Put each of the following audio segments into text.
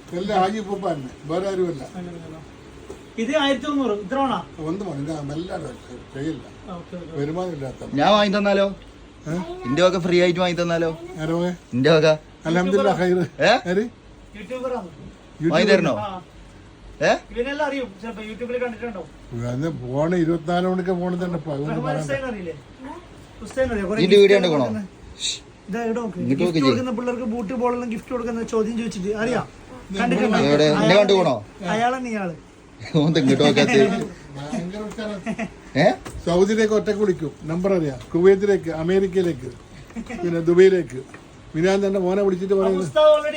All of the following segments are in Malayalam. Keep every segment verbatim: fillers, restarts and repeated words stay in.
എല്ലാം ആജി പൂപ്പാന്നെ വേറെ ആരുമല്ല. ഇത് ആയിരത്തി തൊണ്ണൂറ് ഇത്ര ഒന്ന് മെല്ലാതെ ചെയ്യില്ല, വരുമാനം ഇല്ലാത്ത. ഞാൻ വാങ്ങി തന്നാലോ? ഇന്റെ വക ഫ്രീ ആയിട്ട് വാങ്ങി തന്നാലോ? ഇന്റെ വക അൽഹംദുലില്ലാഹ് ഖൈർ. വാങ്ങി തരണോ? ഫോണ് ഇരുപത്തിനാല് മണിക്ക് ഫോണ് തന്നെ ഇതിന്റെ വീഡിയോ കണ്ടോ? പിള്ളേർക്ക് ബൂട്ട് ബോളെല്ലാം ഗിഫ്റ്റ് കൊടുക്കുന്ന ചോദ്യം ചോദിച്ചിട്ട് അറിയാം. കണ്ടുപോണോ? അയാളെന്നെ ഇയാള് സൗദിയിലേക്ക് ഒറ്റക്ക് വിളിക്കും, നമ്പർ അറിയാം. കുവൈത്തിലേക്ക്, അമേരിക്കയിലേക്ക്, പിന്നെ ദുബൈയിലേക്ക്. മിനാൻ തന്നെ മോനെ വിളിച്ചിട്ട് പറയുന്നത്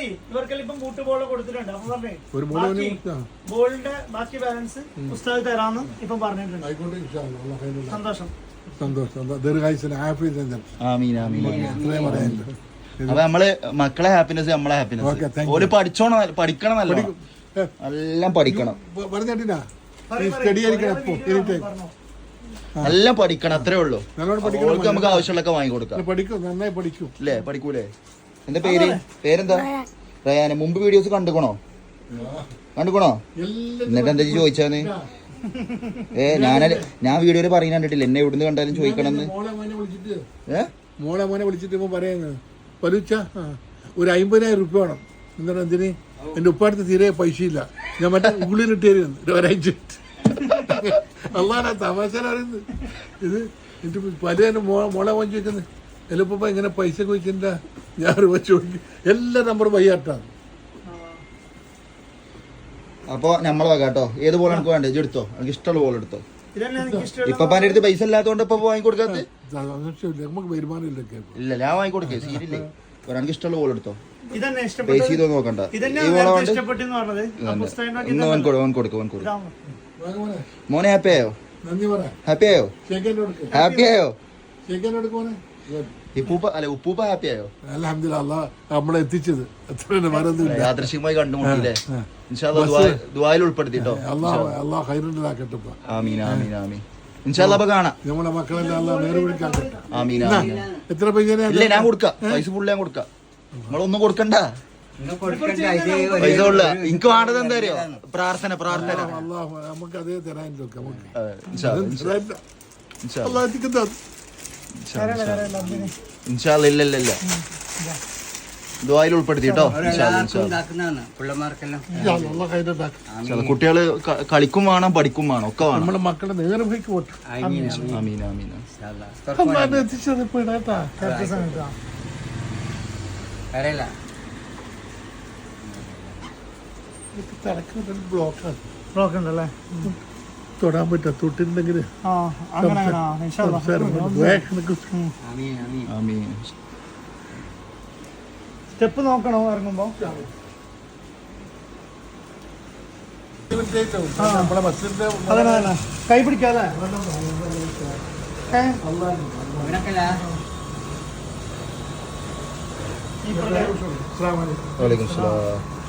ഒരു ബോളിന്റെ ബാക്കി ബാലൻസ് ഉസ്താദ് തരാന്ന് ഇപ്പം പറഞ്ഞിട്ടുണ്ട്. സന്തോഷം സന്തോഷം. ദീർഘായുസ്സിന് ആഫിയത്ത്. എത്രയും പറയാനുണ്ട്. അപ്പൊ നമ്മള് മക്കളെ ഹാപ്പിനെസ് നമ്മളെ ഹാപ്പിനെസ്. ഓല് പഠിച്ചോണം, പഠിക്കണം, നല്ല എല്ലാം പഠിക്കണം, സ്റ്റഡി ആയിരിക്കണം. എല്ലാം പഠിക്കണം, അത്രേ ഉള്ളൂ. ഓൾക്ക് നമുക്ക് ആവശ്യമുള്ളൊക്കെ വാങ്ങിക്കൊടുക്കാം. പഠിക്കും, നന്നായി പഠിക്കും. അല്ലേ? പഠിക്കൂലേ? എന്താ പേര്? പേരെന്താ? റയാന്. മുമ്പ് വീഡിയോസ് കണ്ടുക്കണോ? കണ്ടുക്കണോ? എന്നിട്ട് എന്താ ചോദിച്ചാന്ന്? ഏ ഞാൻ ഞാൻ വീഡിയോയില് പറയുന്ന കണ്ടിട്ടില്ല. എന്നെ എവിടുന്ന് കണ്ടാലും ചോദിക്കണമെന്ന്. ഏ മോളെ മോനെ വിളിച്ചിട്ട് ഇപ്പൊ പറയുന്നത് പരുച്ച ഒരു അമ്പതിനായിരം റുപ്യ വേണം. എന്താണ് എന്തിന്? എന്റെ ഉപ്പാടത്ത് തീരെ പൈസയില്ല, ഞാൻ മറ്റേ ഉള്ളിലിട്ട് തരുന്നു ഒരാഴ്ച. അള്ളാഹാ തമാശ പറയുന്നത് ഇത്. എന്നിട്ട് പല മോളെ മോൻ ചോദിക്കുന്നത് എല്ലപ്പ ഇങ്ങനെ പൈസ ചോദിച്ചില്ല. ഞാൻ ചോദിക്കും എല്ലാ നമ്പറും വയ്യാട്ടാണ്. അപ്പൊ നമ്മളെ വക കേട്ടോ. ഏത് ബോൾ എനിക്ക് വേണ്ടേ? എടുത്തോ, എനിക്ക് ഇഷ്ടമുള്ള ബോൾ എടുത്തോ. ഇപ്പൊ എന്റെ അടുത്ത് പൈസ ഇല്ലാത്തതുകൊണ്ട് ഇപ്പൊ വാങ്ങിക്കൊടുക്കാത്ത. നമുക്ക് വരുമാനം ഇല്ല, ഞാൻ വാങ്ങിക്കൊടുക്കേ. സീരിയല്ലേ? എനിക്ക് ഇഷ്ടമുള്ള ബോൾ എടുത്തോ. പൈസ ചെയ്തോ നോക്കണ്ട. ഈ ബോള കൊണ്ട് മോനെ ഹാപ്പി ആയോ? ഹാപ്പി ആയോ? ഹാപ്പി ആയോ? ഇപ്പൂപ്പ അല്ലെ ഉപ്പൂപ്പ ഹാപ്പി ആയോ? അൽഹംദുലില്ലാഹ് നമ്മളെ എത്തിച്ചത് യാദൃശ്ചികമായി കണ്ടുമുട്ടിയില്ലേ? ദുആയിൽ ഉൾപ്പെടുത്തിട്ടോ. അല്ലാഹ് ഖൈറുണ്ടാക്കട്ടെ. ആമീൻ ആമീൻ ആമീൻ. ഇൻഷാല്ലാ അപ്പൊ കാണാം. നമ്മളെ മക്കളെല്ലാം അല്ലാഹ് നേരെ വിളിക്കാട്ടെ. ആമീൻ ആമീൻ. എത്ര പൈസ? ഇല്ല, ഞാൻ കൊടുക്കാം. പൈസ ഫുള്ള് ഞാൻ കൊടുക്കാം. നിങ്ങളൊന്നും കൊടുക്കണ്ട. പൈസ ഉള്ള എനിക്ക് വേണ്ടത് എന്താ അറിയോ? പ്രാർത്ഥന, പ്രാർത്ഥന. നമുക്ക് അതേ തരാൻ ഇൻഷാല്ലാ. ഇല്ല ഇല്ല ഇല്ല, ദുആയിൽ ഉൾപ്പെടുത്തിട്ടോ. കുട്ടികള് കളിക്കും വേണം, പഠിക്കും വേണം, ഒക്കെ വേണം. നമ്മുടെ മക്കളെ നേരെ പോയിട്ട് ആമീൻ ആമീൻ. എത്തിച്ചത് ഇപ്പൊ ഇടാട്ടാ. ബ്ലോക്കാണ്, ബ്ലോക്ക് ഉണ്ടല്ലേ? തൊടാൻ പറ്റാ തൊട്ടിട്ടുണ്ടെങ്കിൽ സ്റ്റെപ്പ് നോക്കണോ ഇറങ്ങുമ്പോ? അതന്നെ കൈ പിടിക്കാല്ലേ? വലൈക്കും സലാം.